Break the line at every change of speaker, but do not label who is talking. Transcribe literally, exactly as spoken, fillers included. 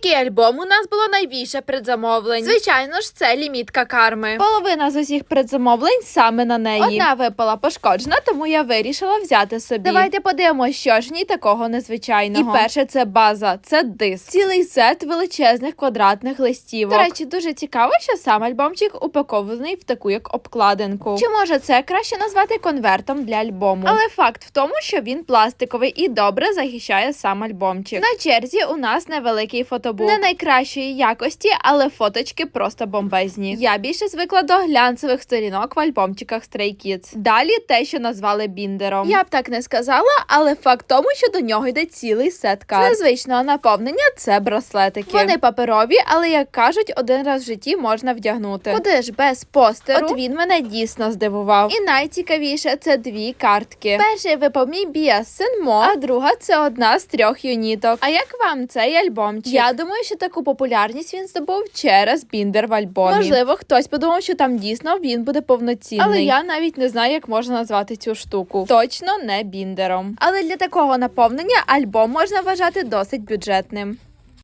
який альбом у нас було найбільше предзамовлень? Звичайно ж, це лімітка карми. Половина з усіх предзамовлень саме на неї. Одна випала пошкоджена, тому я вирішила взяти собі. Давайте подивимося, що ж в ній такого незвичайного. І перше, це база, це диск. Цілий сет величезних квадратних листівок. До речі, дуже цікаво, що сам альбомчик упакований в таку як обкладинку. Чи може це краще назвати конвертом для альбому? Але факт в тому, що він пластиковий і добре захищає сам альбомчик. На черзі у нас невеликий фотобук. Не найкращої якості, але фоточки просто бомбезні. Я більше звикла до глянцевих сторінок в альбомчиках Stray Kids. Далі те, що назвали біндером. Я б так не сказала, але факт тому, що до нього йде цілий сет карт. З незвичного наповнення це браслетики. Вони паперові, але, як кажуть, один раз в житті можна вдягнути. Куди ж без постеру? От він мене дійсно здивував. І найцікавіше – це дві картки. Перший випав мій біас Сенмо, а друга – це одна з трьох юніток. А як вам цей альбомчик? Я думаю, що таку популярність він здобув через біндер в альбомі. Можливо, хтось подумав, що там дійсно він буде повноцінний. Але я навіть не знаю, як можна назвати цю штуку. Точно не біндером. Але для такого наповнення альбом можна вважати досить бюджетним.